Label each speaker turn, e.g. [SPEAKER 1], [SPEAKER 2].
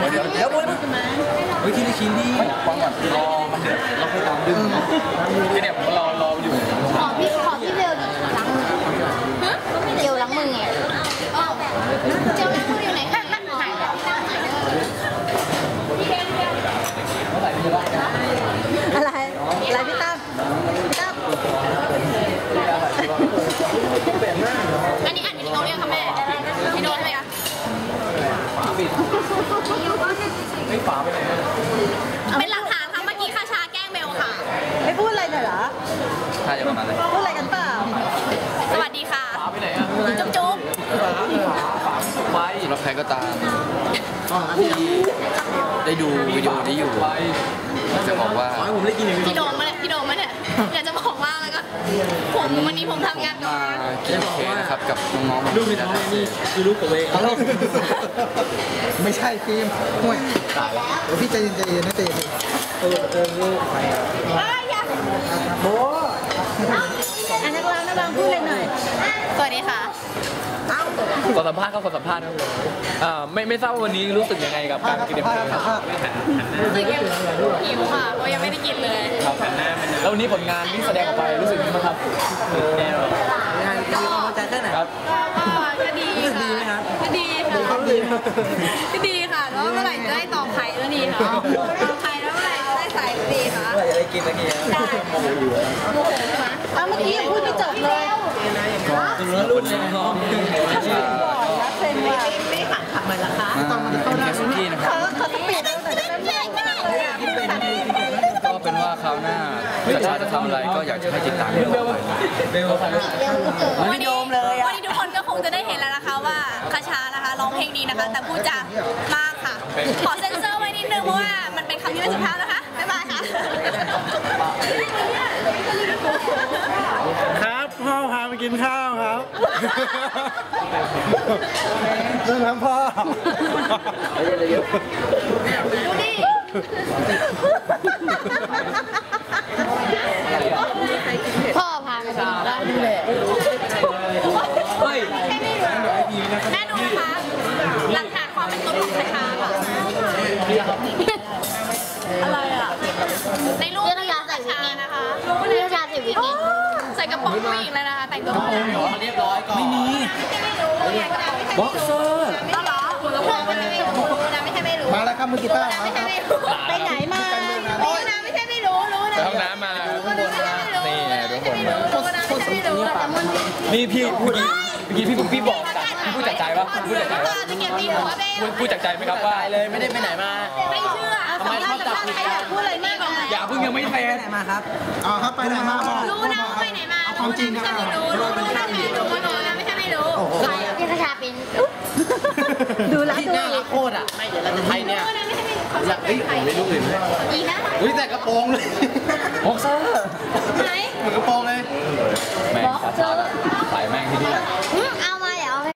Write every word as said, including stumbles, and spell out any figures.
[SPEAKER 1] เดี๋ยวเดี๋ยวเฮ้ยทีละชิ้นดิฟังก่อนรอมันเดือดเราค่อยตามดึงที่เนี่ยผมรอรออยู่
[SPEAKER 2] ขอพี่ขอพี่เบลดิล้างมือเจลล้างมือไงเจลล้างมืออยู่ไหนคะหายแล้วอะไร อะไรพี่ตั้มพี่ตั้มอันนี้อ่านวิดีโอยังคะแม่วิดีโอใช่ไหมคะ
[SPEAKER 1] ไม่ฝาไปไหน
[SPEAKER 2] เป็นหลักฐานค่ะเมื่อกี้คาชาแกล้งเบลค่ะ
[SPEAKER 3] ไม่พูดอะไรหน่อยเหรอ
[SPEAKER 1] ใช่จะประมาณนั้น
[SPEAKER 3] พูดอะไรกันเปล่า
[SPEAKER 2] สวัสดีค่ะ
[SPEAKER 1] ฝาไปไหนอ่ะ
[SPEAKER 2] จุ๊บจุ๊บ
[SPEAKER 1] ไว้สำหรับใครก็ตามที่ได้ดูวิดีโอนี้อยู่จะบอกว่า
[SPEAKER 2] พี่โดมมาเนี่ยพี่โดมมาเนี่ยอยากจะบอกว่าแล้วก็ผมวันนี้ผมทำงาน
[SPEAKER 1] มากินเคนะครับกับน้องๆ
[SPEAKER 4] ลูกน้องนี่คือลูกผมเอง
[SPEAKER 5] ไม่ใช่ฟิล์มห่วยตายแล้วเดี๋ยวพี่ใจเย็นใจเย็นนะใจเย็นเออเจอลูกไปโบ
[SPEAKER 3] อันนักร้องนักร้องพูดเลยหน่อย
[SPEAKER 2] สวัสดีค่ะ
[SPEAKER 4] ขอสัมภาษณ์ครับขอสัมภาษณ์ครับอ่าไม่ไม่ทราบว่าวันนี้รู้สึกยังไงกับการกินเด็กครับ
[SPEAKER 2] รู้สึกยังหิวค่ะเพราะยังไม่ได้กินเลย
[SPEAKER 4] ครับแล้ววันนี้ผลงานที่แสดงออกไปรู้สึกยังไงบ้างครับ
[SPEAKER 3] งานดีพอใจแค่ไหน
[SPEAKER 4] ครับ
[SPEAKER 2] ก็ดีค่ะก็ดีค่ะก็ดีค่ะแล้วเมื่อไหร่จะได้ต่อไข่แล้วดีค่ะต่อไข่แล้วเมื่อไหร่จะได้ใส่ดีค่ะ
[SPEAKER 4] เมื่อไหร่จะได้กินสักที
[SPEAKER 2] ได้โมโหอยู่โมโหไหม
[SPEAKER 3] เอาเมื่อกี้ยังพูดไม่จบเลย
[SPEAKER 4] ตัวลูกในห้อง
[SPEAKER 3] ไม่ขัดขัดมาละคะ
[SPEAKER 1] ตอนมันเข้าได้สุกี้นะครับ
[SPEAKER 3] เขาสปีดตั้งแต่เริ่มเลยอ่ะ
[SPEAKER 1] ก็เป็นว่าคราวหน้าถ้าชาจะทำอะไรก็อยากจะให้ติดตามกันต่อไป
[SPEAKER 2] วันนี้วันนี้ทุกคนก็คงจะได้เห็นแล้วนะคะว่าคาชานะคะร้องเพลงดีนะคะแต่พูดจามากค่ะขอเซ็นเซอร์ไว้นิดนึงเพราะว่ามันเป็นคำที่ไม่สุภาพนะคะบ๊ายบายค่ะ
[SPEAKER 5] ครับพ่อพาไปกินข้าวครับเรื่องน้ำพ่อ
[SPEAKER 2] ดูดิพ่อพาไปกินข้าวดูแล
[SPEAKER 4] เฮ้ย
[SPEAKER 2] แม่ดูนะคะหลักฐานความเป็นตัวของคาชาค่ะอะไรอ่ะในรูปคาชาใส่วิกนี่นะคะรูปคาชาใส่วิกนี่ใส่กระโปรงผู้หญิงเลยนะคะแต่งตัวผู้หญิง
[SPEAKER 4] เรียบร้อยก่อนไม่มี
[SPEAKER 2] บ็อกเซอร์ต้องหรอหัวกระโปรงไม่ใช่ไม่รู้นะไม่ใช่ไม่รู้
[SPEAKER 5] มาแล้วครับมือกีตาร์มา
[SPEAKER 2] ไม่ใช่ไม่รู้
[SPEAKER 3] ไปไหนมา
[SPEAKER 2] รู้นะไม่ใช่ไม่รู้รู้นะ
[SPEAKER 4] ไปห้องน้ำมา
[SPEAKER 2] นี่ทุกคนรู้นะไม่ใช่ไม่รู้
[SPEAKER 4] นี่พี่พูดเมื่อกี้พี่พี่บอกจากพี่พูดจากใจปะพูดจากใจปะพูดจากใจไหมครับว่าเลยไม่ได้ไปไหนมา
[SPEAKER 2] ไม่เชื่อ
[SPEAKER 4] ทำไมชอบจับผิดกัน
[SPEAKER 2] พูดอะไรมาก
[SPEAKER 4] อย่าเพิ่งยังไม่แฟน
[SPEAKER 5] ไหนมาครับอ๋อครับไปไหนมา
[SPEAKER 2] รู้นะไปไหนมา
[SPEAKER 5] เอาความจริงครับ
[SPEAKER 2] รู้รู้ไม่ใช่ไม่รู้รู้นะไม่ใช่ไม่รู้ใครพี่คาชาเป็น
[SPEAKER 3] ดูแลดู
[SPEAKER 4] น่ารักโคตรอ่ะไม่เดี๋ยวเราจะไทยเนี่ย
[SPEAKER 2] อยากเฮ้ย
[SPEAKER 4] ไม่รู้เลย
[SPEAKER 2] อีนะ
[SPEAKER 4] เฮ้ยแต่กระโปรงเลย
[SPEAKER 1] บ็อกเซอร์